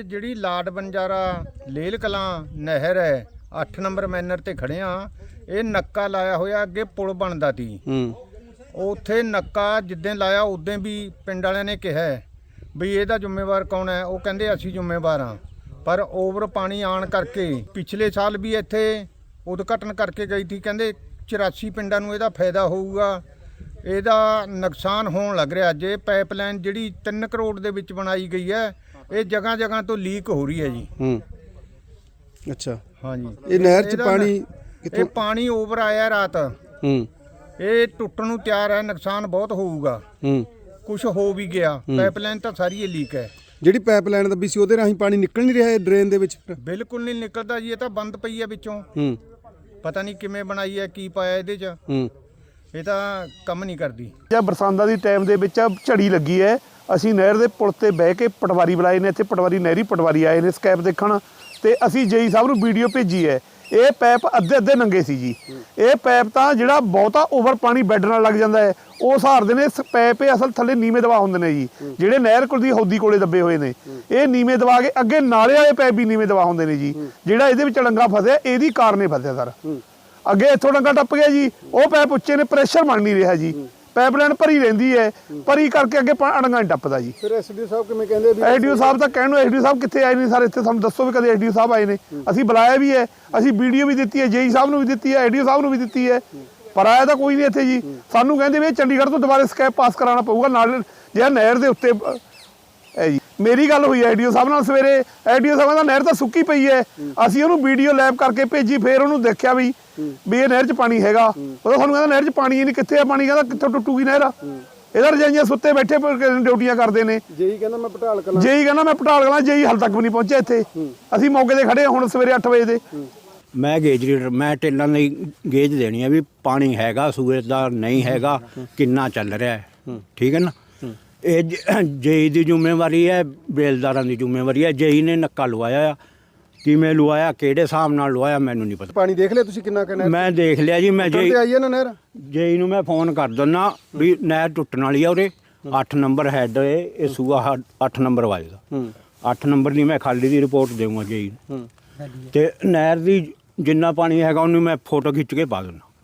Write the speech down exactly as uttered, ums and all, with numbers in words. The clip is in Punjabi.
ਜਿਹੜੀ ਲਾਡ ਬੰਜਾਰਾ ਲੇਲ ਕਲਾਂ ਨਹਿਰ ਹੈ ਅੱਠ ਨੰਬਰ ਮੈਨਰ ਤੇ ਖੜੇ ਆ। ਇਹ ਨੱਕਾ ਲਾਇਆ ਹੋਇਆ, ਅੱਗੇ ਪੁਲ ਬਣਦਾ ਤੀ। ਉੱਥੇ ਨੱਕਾ ਜਿੱਦਾਂ ਲਾਇਆ ਉਦੋਂ ਵੀ ਪਿੰਡ ਵਾਲਿਆਂ ਨੇ ਕਿਹਾ ਵੀ ਇਹਦਾ ਜ਼ਿੰਮੇਵਾਰ ਕੌਣ ਹੈ। ਉਹ ਕਹਿੰਦੇ ਅਸੀਂ ਜ਼ਿੰਮੇਵਾਰ ਹਾਂ। ਪਰ ਓਵਰ ਪਾਣੀ ਆਉਣ ਕਰਕੇ ਪਿਛਲੇ ਸਾਲ ਵੀ ਇੱਥੇ ਉਦਘਾਟਨ ਕਰਕੇ ਗਈ ਸੀ, ਕਹਿੰਦੇ ਚੁਰਾਸੀ ਪਿੰਡਾਂ ਨੂੰ ਇਹਦਾ ਫਾਇਦਾ ਹੋਊਗਾ। ਇਹਦਾ ਨੁਕਸਾਨ ਹੋਣ ਲੱਗ ਰਿਹਾ। ਜੇ ਪਾਈਪਲਾਈਨ ਜਿਹੜੀ ਤਿੰਨ ਕਰੋੜ ਦੇ ਵਿੱਚ ਬਣਾਈ ਗਈ ਹੈ, ਇਹ ਜਗ੍ਹਾ ਜਗ੍ਹਾ ਤੋਂ ਲੀਕ ਹੋ ਰਹੀ ਹੈ ਜੀ। ਹੂੰ ਅੱਛਾ ਹਾਂਜੀ, ਇਹ ਨਹਿਰ 'ਚ ਪਾਣੀ ਇਹ ਪਾਣੀ ਓਵਰ ਆਇਆ ਰਾਤ। ਹੂੰ ਇਹ ਟੁੱਟਣ ਨੂੰ ਤਿਆਰ ਹੈ, ਨੁਕਸਾਨ ਬਹੁਤ ਹੋਊਗਾ। ਹੂੰ ਕੁਝ ਹੋ ਵੀ ਗਿਆ। ਪਾਈਪਲਾਈਨ ਤਾਂ ਸਾਰੀ ਇਹ ਲੀਕ ਹੈ। ਜਿਹੜੀ ਪਾਈਪਲਾਈਨ ਦੱਬੀ ਸੀ ਉਹਦੇ ਰਾਹੀਂ ਪਾਣੀ ਨਿਕਲ ਨਹੀਂ ਰਿਹਾ ਇਹ ਡਰੇਨ ਦੇ ਵਿੱਚ? ਬਿਲਕੁਲ ਨਹੀਂ ਨਿਕਲਦਾ ਜੀ, ਇਹ ਤਾਂ ਬੰਦ ਪਈ ਹੈ ਵਿੱਚੋਂ। ਹੂੰ ਪਤਾ ਨਹੀਂ ਕਿਵੇਂ ਬਣਾਈ ਹੈ, ਕੀ ਪਾਇਆ ਇਹਦੇ 'ਚ। ਹੂੰ ਇਹ ਤਾਂ ਕੰਮ ਨਹੀਂ ਕਰਦੀ। ਜਾਂ ਬਰਸਾਤਾਂ ਦੀ ਟਾਈਮ ਦੇ ਵਿੱਚ ਝੜੀ ਲੱਗੀ ਹੈ। ਅਸੀਂ ਨਹਿਰ ਦੇ ਪੁਲ ਤੇ ਬਹਿ ਕੇ ਪਟਵਾਰੀ ਬੁਲਾਏ ਨੇ, ਇੱਥੇ ਪਟਵਾਰੀ ਨਹਿਰੀ ਪਟਵਾਰੀ ਆਏ ਨੇ ਸਕੈਪ ਦੇਖਣ, ਤੇ ਅਸੀਂ ਜੇਈ ਸਾਹਿਬ ਨੂੰ ਵੀਡੀਓ ਭੇਜੀ ਹੈ। ਇਹ ਪੈਪ ਅੱਧੇ ਅੱਧੇ ਨੰਗੇ ਸੀ ਜੀ। ਇਹ ਪੈਪ ਤਾਂ ਜਿਹੜਾ ਬਹੁਤਾ ਓਵਰ ਪਾਣੀ ਬੈੱਡ ਨਾਲ ਲੱਗ ਜਾਂਦਾ ਹੈ, ਉਹ ਸਹਾਰਦੇ ਨੇ। ਪੈਪ ਇਹ ਅਸਲ ਥੱਲੇ ਨੀਵੇਂ ਦਬਾ ਹੁੰਦੇ ਨੇ ਜੀ, ਜਿਹੜੇ ਨਹਿਰ ਕੋਲ ਦੀ ਹੌਦੀ ਕੋਲੇ ਦੱਬੇ ਹੋਏ ਨੇ। ਇਹ ਨੀਵੇਂ ਦਬਾ ਕੇ ਅੱਗੇ ਨਾਲੇ ਵਾਲੇ ਪੈਪ ਵੀ ਨੀਵੇਂ ਦਬਾ ਹੁੰਦੇ ਨੇ ਜੀ। ਜਿਹੜਾ ਇਹਦੇ ਵਿੱਚ ਡੰਗਾ ਫਸਿਆ ਇਹਦੀ ਕਾਰਨ ਫਸਿਆ ਸਰ। ਅੱਗੇ ਇੱਥੋਂ ਡੰਗਾ ਟੱਪ ਗਿਆ ਜੀ, ਉਹ ਪੈਪ ਉੱਚੇ ਨੇ, ਪ੍ਰੈਸ਼ਰ ਬਣ ਨਹੀਂ ਰਿਹਾ ਜੀ। ਪਾਈਪਲਾਈਨ ਭਰੀ ਰਹਿੰਦੀ ਹੈ, ਭਰੀ ਕਰਕੇ ਅੱਗੇ ਡੰਗਾ ਨਹੀਂ ਟੱਪਦਾ ਜੀ। ਫਿਰ ਐਸਡੀਓ ਸਾਹਿਬ ਕਿਵੇਂ ਕਹਿੰਦੇ ਵੀ? ਐਸਡੀਓ ਸਾਹਿਬ ਤਾਂ ਕਹਿਣ ਨੂੰ ਐਸਡੀਓ ਸਾਹਿਬ ਕਿੱਥੇ ਆਏ ਨੇ ਸਰ? ਇੱਥੇ ਸਾਨੂੰ ਦੱਸੋ ਵੀ ਕਦੇ ਐਸਡੀਓ ਸਾਹਿਬ ਆਏ ਨੇ? ਅਸੀਂ ਬੁਲਾਇਆ ਵੀ ਹੈ, ਅਸੀਂ ਵੀਡੀਓ ਵੀ ਦਿੱਤੀ ਹੈ, ਜੇਈ ਸਾਹਿਬ ਨੂੰ ਵੀ ਦਿੱਤੀ ਹੈ, ਐਸਡੀਓ ਸਾਹਿਬ ਨੂੰ ਵੀ ਦਿੱਤੀ ਹੈ, ਪਰ ਆਇਆ ਤਾਂ ਕੋਈ ਨਹੀਂ ਇੱਥੇ ਜੀ। ਸਾਨੂੰ ਕਹਿੰਦੇ ਵੀ ਚੰਡੀਗੜ੍ਹ ਤੋਂ ਦੁਬਾਰਾ ਸਕੈਪ ਪਾਸ ਕਰਾਉਣਾ ਪਊਗਾ ਨਾਲ ਜਿਹੜਾ ਨਹਿਰ ਦੇ ਉੱਤੇ ਹੈ ਜੀ। ਮੇਰੀ ਗੱਲ ਹੋਈ ਐਸਡੀਓ ਸਾਹਿਬ ਨਾਲ ਸਵੇਰੇ। ਐਸਡੀਓ ਸਾਹਿਬ ਦਾ ਨਹਿਰ ਤਾਂ ਸੁੱਕੀ ਪਈ ਹੈ। ਅਸੀਂ ਉਹਨੂੰ ਵੀਡੀਓ ਲੈਬ ਕਰਕੇ ਭੇਜੀ, ਫਿਰ ਉਹਨੂੰ ਦੇਖਿਆ ਵੀ ਵੀ ਇਹ ਨਹਿਰ 'ਚ ਪਾਣੀ ਹੈਗਾ। ਉਹ ਸਾਨੂੰ ਕਹਿੰਦਾ ਨਹਿਰ 'ਚ ਪਾਣੀ ਹੀ ਨਹੀਂ। ਕਿੱਥੇ ਆ ਪਾਣੀ? ਕਹਿੰਦਾ ਕਿੱਥੋਂ ਟੁੱਟੂਗੀ ਨਹਿਰ? ਇਹਦਾ ਰਜਾਈਆਂ ਸੁੱਤੇ ਬੈਠੇ ਡਿਊਟੀਆਂ ਕਰਦੇ ਨੇ। ਜੇਈ ਕਹਿੰਦਾ ਮੈਂ ਪਟਾਲ ਕਲਾਂ ਜੇਈ ਕਹਿੰਦਾ ਮੈਂ ਪਟਾਲ ਕਲਾਂ ਜੇਈ ਹਾਲ ਤੱਕ ਵੀ ਨਹੀਂ ਪਹੁੰਚਿਆ ਇੱਥੇ। ਅਸੀਂ ਮੌਕੇ ਤੇ ਖੜੇ ਹੁਣ ਸਵੇਰੇ ਅੱਠ ਵਜੇ ਦੇ। ਮੈਂ ਗੇਜ ਰੀਡਰ, ਮੈਂ ਟੇਲਾਂ ਦੀ ਗੇਜ ਦੇਣੀ ਆ ਵੀ ਪਾਣੀ ਹੈਗਾ ਸੂਏ ਦਾ, ਨਹੀਂ ਹੈਗਾ, ਕਿੰਨਾ ਚੱਲ ਰਿਹਾ ਹੈ। ਠੀਕ ਹੈ ਨਾ? ਇਹ ਜੇਈ ਦੀ ਜ਼ਿੰਮੇਵਾਰੀ ਹੈ, ਬੇਲਦਾਰਾਂ ਦੀ ਜ਼ਿੰਮੇਵਾਰੀ ਹੈ। ਜੇਈ ਨੇ ਨੱਕਾ ਲਵਾਇਆ ਆ, ਕਿਵੇਂ ਲਵਾਇਆ, ਕਿਹੜੇ ਹਿਸਾਬ ਨਾਲ ਲਵਾਇਆ, ਮੈਨੂੰ ਨਹੀਂ ਪਤਾ। ਪਾਣੀ ਦੇਖ ਲਿਆ ਤੁਸੀਂ ਕਿੰਨਾ ਕਿੰਨਾ? ਮੈਂ ਦੇਖ ਲਿਆ ਜੀ। ਮੈਂ ਜੇਈ ਆਈ ਹੈ ਨਾ ਨਹਿਰ? ਜੇਈ ਨੂੰ ਮੈਂ ਫੋਨ ਕਰ ਦਿੰਦਾ ਵੀ ਨਹਿਰ ਟੁੱਟਣ ਵਾਲੀ ਆ ਉਰੇ। ਅੱਠ ਨੰਬਰ ਹੈਡ ਇਹ ਸੂਆ ਅੱਠ ਨੰਬਰ ਵੱਜਦਾ। ਅੱਠ ਨੰਬਰ ਦੀ ਮੈਂ ਖਾਲੀ ਦੀ ਰਿਪੋਰਟ ਦੇਵਾਂਗਾ ਜੇਈ ਨੂੰ, ਤੇ ਨਹਿਰ ਦੀ ਜਿੰਨਾ ਪਾਣੀ ਹੈਗਾ ਉਹਨੂੰ ਮੈਂ ਫੋਟੋ ਖਿੱਚ ਕੇ ਪਾ ਦਿੰਦਾ।